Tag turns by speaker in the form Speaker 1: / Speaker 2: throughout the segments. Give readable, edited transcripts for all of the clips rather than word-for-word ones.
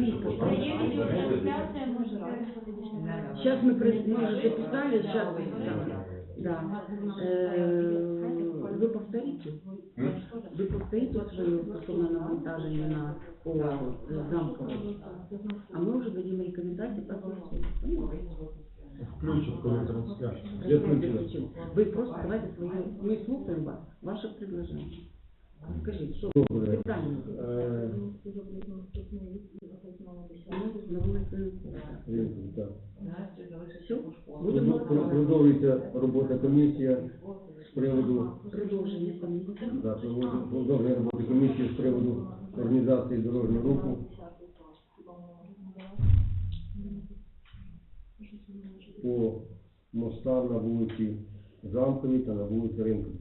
Speaker 1: Є відеотрансляція, може
Speaker 2: Сейчас мы уже записали, сейчас да. Вы повторите? Вы повторите свое стосовно навантаження на ОАРу замкову, а мы уже дадим рекомендации по голосу.
Speaker 3: Включат, коли трансляцію.
Speaker 2: Вы просто давайте свое, мы слушаем вас, ваше предложение. Скажите, что
Speaker 3: Добре.
Speaker 2: питання? На вулиці
Speaker 3: Так.
Speaker 2: Все? Будемо
Speaker 3: Продовжується робота комісії з приводу
Speaker 2: продовження комісії.
Speaker 3: продовження роботи комісії з приводу організації дорожнього руху по мостам на вулиці Замковій та на вулиці Ринковій.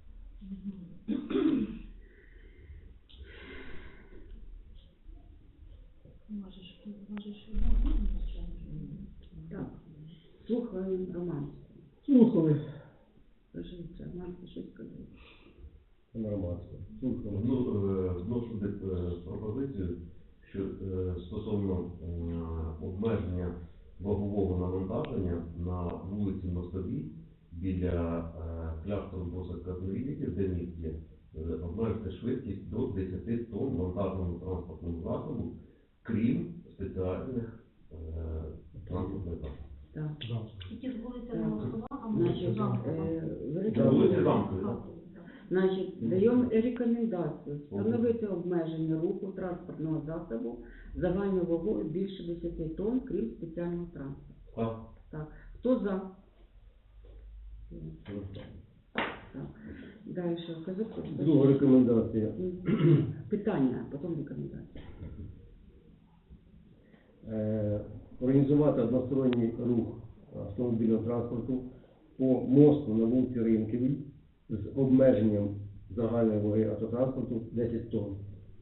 Speaker 2: Так, слухаю Роман.
Speaker 3: Слухали.
Speaker 2: Скажіть, Роман, ти щось сказав?
Speaker 3: Громадсько. Слухали.
Speaker 4: Вношу пропозицію, що стосовно обмеження вагового навантаження на вулиці Мостовій біля кляштору Босака Зміївки, де міст є, обмежити швидкість до 10 тонн вантажному транспортному засобу, крім спеціальних транспортних засобів.
Speaker 2: Так.
Speaker 1: Тільки з вулиця Мостова, а
Speaker 2: Значить,
Speaker 4: Вулиця Замкові, так?
Speaker 2: Значить, даємо рекомендацію встановити обмеження руху транспортного засобу загальною вагою більше 10 тонн, крім спеціального транспорту.
Speaker 4: Так.
Speaker 2: Так. Хто за? Так. Далі.
Speaker 3: Друга рекомендація.
Speaker 2: Питання, а потім рекомендація.
Speaker 3: Організувати односторонній рух автомобільного транспорту по мосту на вулиці Ринковій з обмеженням загальної ваги автотранспорту 10 тонн.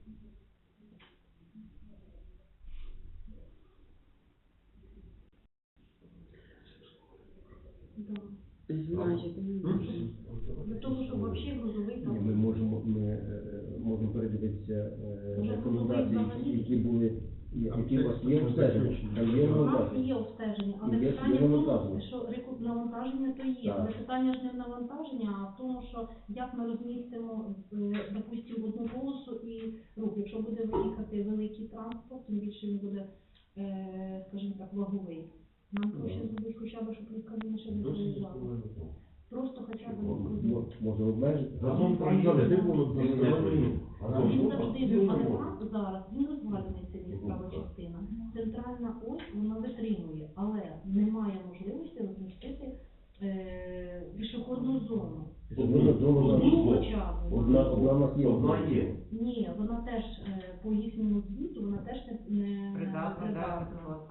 Speaker 2: Значить,
Speaker 1: Для того, щоб взагалі грузовий
Speaker 3: Ні, ми можемо передивитися рекомендації, які були, які у вас є обстеження. Там є
Speaker 1: У нас
Speaker 3: навантаження.
Speaker 1: є обстеження, але
Speaker 3: Є
Speaker 1: питання в тому,
Speaker 3: навантаження.
Speaker 1: що навантаження то є.
Speaker 3: Так.
Speaker 1: Але питання ж не в навантаженні, а в тому, що як ми розмістимо, допустимо, одну полосу і рух. Якщо буде виїхати великий транспорт, тим більше він буде, скажімо так, ваговий. Нам проще зробити хоча б, щоб лікарі ще не приїжджали. Просто хоча б
Speaker 3: Може обмежити?
Speaker 4: Разом проїжджали,
Speaker 1: він завжди був, але там зараз він розвалений, ця права частина. Центральна ось вона витримує, але немає можливості розмістити пішохідну зону. Одну хоча б.
Speaker 3: Одна у нас є.
Speaker 4: Одна є.
Speaker 1: Ні, вона теж по їхньому звіту, вона теж не придатна.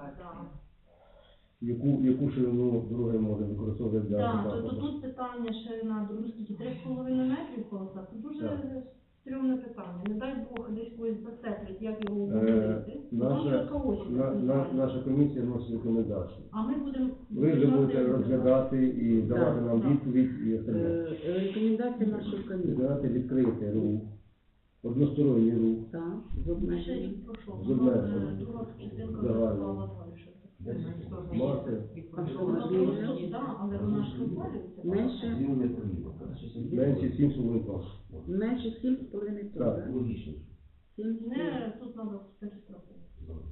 Speaker 3: Яку ширину дороги може використовувати для
Speaker 1: Так, то
Speaker 3: автотранспорту?
Speaker 1: тут питання ширина дороги, скільки 3,5 метрів колоса, це дуже стрьомне питання. Не дай Бог десь когось зацеплять, як його обговорити.
Speaker 3: Наша комісія вносить рекомендації.
Speaker 1: А ми будемо...
Speaker 3: Ви вже будете розглядати і давати нам відповідь і остальне.
Speaker 2: рекомендація нашої комісії.
Speaker 3: Давати відкрити рух, односторонній рух.
Speaker 2: Так, з обмеженням.
Speaker 3: З обмеженням.
Speaker 1: Друга частинка
Speaker 3: Загально.
Speaker 1: сказала далі.
Speaker 3: Мати
Speaker 1: Вона просто, так, але вона ж розвалюється.
Speaker 2: Менше,
Speaker 4: Він не проїде.
Speaker 3: менше 7,5 тонн.
Speaker 2: менше 7,5 тонн,
Speaker 3: Так.
Speaker 2: так?
Speaker 4: Логічно.
Speaker 2: 7,5
Speaker 1: Не, тут треба перестрахувати.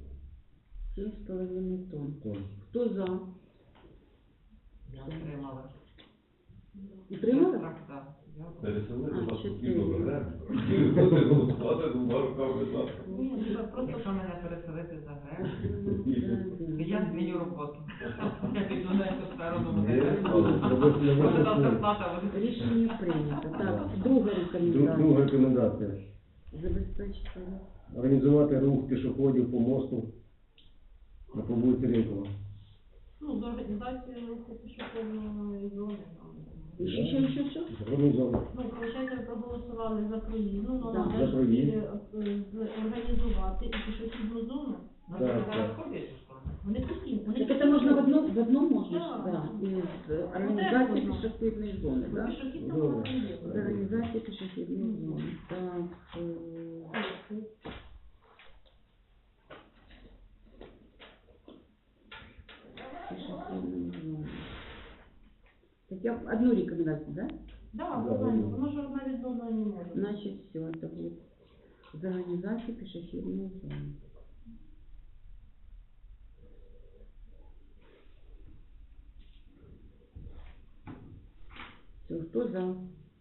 Speaker 2: 7,5 тонн.
Speaker 3: Тонн.
Speaker 2: Хто за?
Speaker 5: Я отримала.
Speaker 2: Утримали?
Speaker 5: Так.
Speaker 4: Переселити вас
Speaker 2: чотири.
Speaker 4: потрібно виграти. Будете голосувати двома руками за.
Speaker 5: Якщо мене переселити за грех, я зміню роботу. Я піду на цю сторону. Може там зарплата буде.
Speaker 2: Рішення прийнято. Так, друга рекомендація.
Speaker 3: Друга рекомендація.
Speaker 2: Забезпечити.
Speaker 3: Організувати рух пішоходів по мосту на по вулиці Ринкова.
Speaker 1: Ну, з організацією руху пішохідної зони.
Speaker 2: Що?
Speaker 3: Організовано.
Speaker 1: Ну, виходить, ви проголосували за проїзд. Ну,
Speaker 2: Так,
Speaker 1: треба
Speaker 3: за проїзд.
Speaker 1: організувати і пішохідну зону.
Speaker 5: Вони
Speaker 3: Так,
Speaker 5: зараз
Speaker 3: так.
Speaker 5: ходять у школу?
Speaker 1: Вони постійно.
Speaker 2: Так это можно в одном можно,
Speaker 1: Да.
Speaker 2: да, из организации пешеходной зоны, да?
Speaker 1: Пішохідна
Speaker 3: Добре.
Speaker 2: Из
Speaker 1: зона.
Speaker 2: организации пешеходной зоны. Так, Я одну рекомендацию, да?
Speaker 1: Да,
Speaker 3: Да,
Speaker 1: правильно,
Speaker 3: да.
Speaker 1: воно ж одна від одної не може.
Speaker 2: Значит, все, это будет за организацию пешеходной зоны. Все, кто за?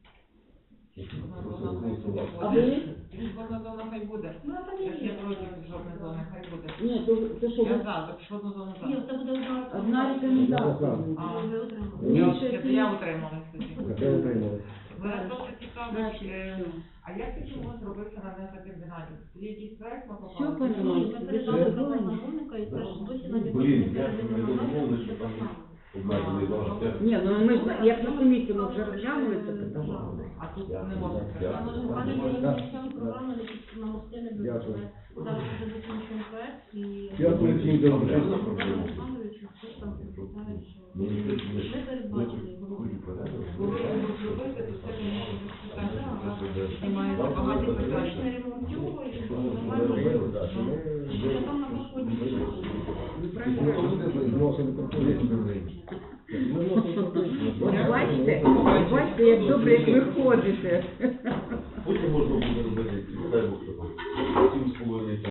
Speaker 2: А ви?
Speaker 5: Пішохідна зона хай буде.
Speaker 1: Ну, а там
Speaker 5: Я ж не
Speaker 1: є.
Speaker 5: проти пішохідної зони, хай буде.
Speaker 2: Ні, то що?
Speaker 5: Я за пішохідну зону
Speaker 1: Ні,
Speaker 5: за.
Speaker 1: це буде
Speaker 2: Одна рекомендація.
Speaker 5: А.
Speaker 1: Ви отримали.
Speaker 3: Ні.
Speaker 5: Я утрималась тоді.
Speaker 3: Вже отримали.
Speaker 5: Мене просто цікавить,
Speaker 2: Значить, все.
Speaker 5: а як тоді може зробитися на незакомбінаті? Є якийсь проект на
Speaker 2: Все
Speaker 5: попали?
Speaker 2: поняла.
Speaker 1: Ми передали право замовника і теж досі навіть
Speaker 4: Блін, я
Speaker 1: не
Speaker 4: не домовлений, що там обмежений залишок.
Speaker 2: Ні, ну ми ж, як на комісії ми вже розглянули це питання.
Speaker 5: А тут не можна
Speaker 1: Але
Speaker 5: сказати.
Speaker 1: вони ці програми на мости не
Speaker 3: Дякую.
Speaker 1: дуже. Зараз вже закінчуємо проект і...
Speaker 3: Дякую всім за участь.
Speaker 1: Олександрович, хтось там питає, що ми передбачили його.
Speaker 5: Коли його зробити, то це не може бути знімається багато питань.
Speaker 1: Технічний ремонт цього і нормально. Що там на проході?
Speaker 3: Вносили пропозицію.
Speaker 2: Бачите, як добре, як ви ходите.
Speaker 4: Потім можна буде робити, дай Бог, що там, 7,5 тонн.